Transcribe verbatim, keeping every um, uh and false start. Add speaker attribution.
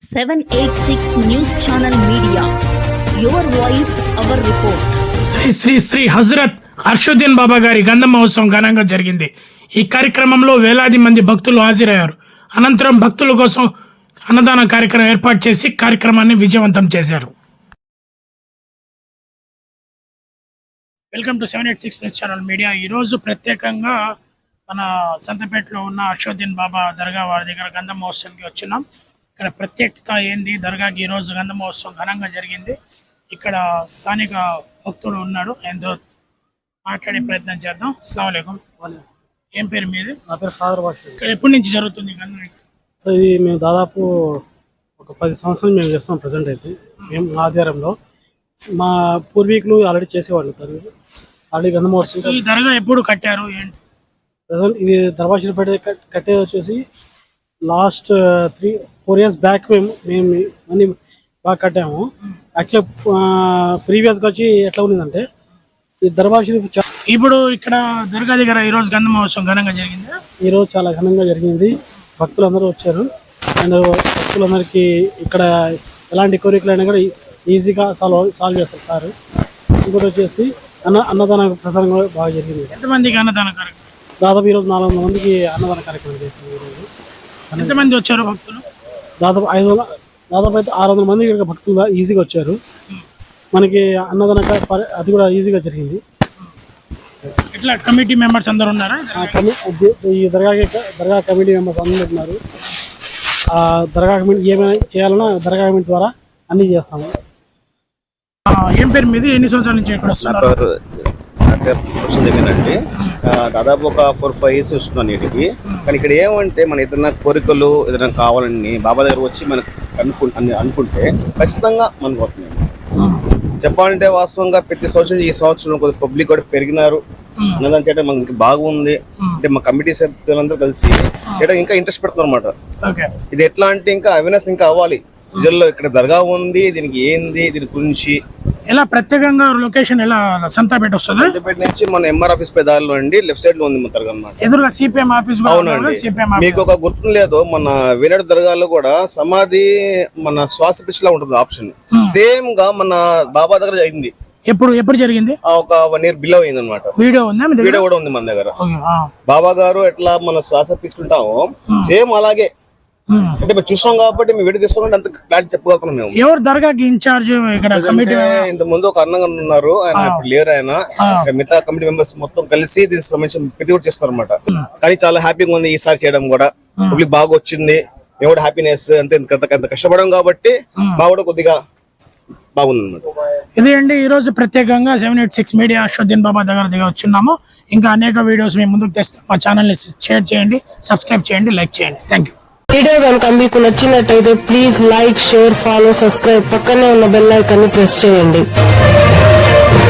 Speaker 1: seven eighty-six News Channel Media. Your voice, our report.
Speaker 2: Shri Shri Shri Hazrat అర్షుద్దీన్ బాబా గారి గంధ మహోత్సవం ఘనంగా జరిగింది. ఈ కార్యక్రమంలో వేలాది మంది భక్తులు హాజరయ్యారు. అనంతరం భక్తుల కోసం అన్నదాన కార్యక్రమం ఏర్పాటు చేసి కార్యక్రమాన్ని విజయవంతం చేశారు. Welcome to seven eight six news channel media. ఈరోజు ప్రత్యేకంగా మన సంతపేటలో ఉన్న అర్షుద్దీన్ బాబా దర్గా వారి దగ్గర గంధ మహోత్సవానికి వచ్చినాం. ఇక్కడ ప్రత్యేకత ఏంది, దర్గాకి ఈరోజు గంధ మహోత్సవం ఘనంగా జరిగింది. ఇక్కడ స్థానిక భక్తుడు ఉన్నాడు, ఆయనతో మాట్లాడే ప్రయత్నం చేద్దాం. అస్సలాము అలైకుం. ఏం పేరు మీది?
Speaker 3: నా పేరు ఫాదర్ భాష.
Speaker 2: ఇక్కడ ఎప్పటి నుంచి జరుగుతుంది గంధం?
Speaker 3: సో ఇది మేము దాదాపు ఒక పది సంవత్సరాలు మేము చేస్తాం. ప్రజెంట్ అయితే మేము ఆధ్వర్యంలో మా పూర్వీకులు ఆల్రెడీ చేసేవాళ్ళు. ఆల్రెడీ గంధ మహోత్సవం.
Speaker 2: ఈ దర్గా ఎప్పుడు కట్టారు ఏంటి?
Speaker 3: ప్రజెంట్ ఇది దర్బార్ షరీఫ్ కట్టేది వచ్చేసి last three four years back మేము మేము అన్ని బాగా కట్టాము. యాక్చువల్ ప్రీవియస్గా వచ్చి ఎట్లా ఉన్నదంటే ఈ దర్బార్ షరీఫ్
Speaker 2: ఇప్పుడు ఇక్కడ దర్గా దగ్గర ఈరోజు గంధ మహోత్సవం ఘనంగా జరిగింది.
Speaker 3: ఈరోజు చాలా ఘనంగా జరిగింది. భక్తులందరూ వచ్చారు. అండ్ భక్తులందరికీ ఇక్కడ ఎలాంటి కోరికలు అయినా కూడా ఈజీగా సాల్వ్ సాల్వ్ చేస్తారు సార్. ఇంకోటి వచ్చేసి అన్న అన్నదాన ప్రసారం కూడా బాగా జరిగింది.
Speaker 2: ఎంతమందికి అన్నదాన కార్యక్రమం?
Speaker 3: దాదాపు ఈరోజు నాలుగు వందల మందికి అన్నదాన కార్యక్రమం చేశారు. ఈరోజు
Speaker 2: ఎంతమంది వచ్చారు భక్తులు?
Speaker 3: దాదాపు ఐదు వందల దాదాపు అయితే ఆరు వందల మంది ఇక్కడ భక్తులు ఈజీగా వచ్చారు. మనకి అన్నదాన అది కూడా ఈజీగా జరిగింది.
Speaker 2: ఇట్లా కమిటీ మెంబర్స్ అందరు ఉన్నారా?
Speaker 3: ఈ దర్గా దర్గా కమిటీ మెంబర్స్ అందరూ ఉన్నారు. ఆ దర్గా కమిటీ ఏమైనా చేయాలన్నా దర్గా కమిటీ ద్వారా అన్ని చేస్తాము.
Speaker 2: ఏం పేరు మీది? ఎన్ని సంవత్సరాల నుంచి ఇక్కడ వస్తున్నారు?
Speaker 4: దగ్గరండి దాదాపు ఒక ఫోర్ ఫైవ్ ఇయర్స్ వస్తున్నాను వీటికి. కానీ ఇక్కడ ఏమంటే మన ఏదైనా కోరికలు ఏదైనా కావాలని బాబా దగ్గర వచ్చి మనకు అనుకు అనుకుంటే ఖచ్చితంగా మనకు అవుతుంది. చెప్పాలంటే వాస్తవంగా ప్రతి సంవత్సరం ఈ సంవత్సరం కొద్దిగా పబ్లిక్ కూడా పెరిగినారు. అన్నదాన్ని చేయడం మనకి బాగుంది. అంటే మా కమిటీ సభ్యులందరూ కలిసి చేయడం ఇంకా ఇంట్రెస్ట్ పెడుతున్నారు అనమాట. ఇది ఎట్లా అంటే ఇంకా అవేర్నెస్ ఇంకా అవ్వాలి ప్రజల్లో. ఇక్కడ దర్గా ఉంది, దీనికి ఏంది, దీని గురించి
Speaker 2: ఎలా ప్రత్యేకంగా లొకేషన్ ఎలా సంతాపేట వస్తుంది?
Speaker 4: సంతాపేట నుంచి మన ఎంఆర్ ఆఫీస్ పై దారిలో అండి, లెఫ్ట్ సైడ్ లో ఉంది మన దర్గా అన్నమాట.
Speaker 2: ఎదురుగా సిపిఎం ఆఫీస్.
Speaker 4: అవునండి. మీకు ఒక గుర్తు లేదు, మన వేనాడు దర్గాలో కూడా సమాధి మన శ్వాస పిచ్చిలా ఉంటుంది ఆప్షన్. సేమ్ గా మన బాబా దగ్గర అయింది.
Speaker 2: ఎప్పుడు ఎప్పుడు జరిగింది?
Speaker 4: ఒక వన్ ఇయర్ బిలో అయింది అనమాట.
Speaker 2: వీడియో ఉంది,
Speaker 4: వీడియో కూడా ఉంది మన దగ్గర. బాబా గారు ఎట్లా మన శ్వాస పిచ్చుకుంటామో సేమ్ అలాగే. అంటే మేము చూసాం కాబట్టి మేము వీడియో తీసుకోండి అంత క్లారిటీ చెప్పగలుగుతున్నాం మేము.
Speaker 2: ఎవరు దర్గాకి ఇన్ఛార్జ్ ఇక్కడ? కమిటీ
Speaker 4: ఇంత ముందు ఒక అన్నగా ఉన్నారు, ఆయన ఇప్పుడు లేరు. ఆయన మిగతా కమిటీ మెంబర్స్ మొత్తం కలిసి దీనికి సంబంధించిన ప్రతి కూడా చేస్తారు అనమాట. కానీ చాలా హ్యాపీగా ఉంది ఈసారి చేయడం కూడా. పబ్లిక్ బాగా వచ్చింది. మేము కూడా హ్యాపీనెస్ అంతే. అంత కష్టపడడం కాబట్టి మా కూడా కొద్దిగా బాగుంది అనమాట.
Speaker 2: ఇది అండి ఈ రోజు ప్రత్యేకంగా seven eight six media Arshuddin Baba దగ్గర దగ్గర వచ్చిన్నాము. ఇంకా అనేక వీడియోస్ మేము ముందుకు తెస్తాం. మా ఛానల్ ని షేర్ చేయండి, సబ్స్క్రైబ్ చేయండి, లైక్ చేయండి. Thank you.
Speaker 5: వీడియో కనుక మీకు నచ్చినట్టయితే please like, share, follow, subscribe, పక్కనే ఉన్న బెల్ ఐకాన్ ని ప్రెస్ చేయండి.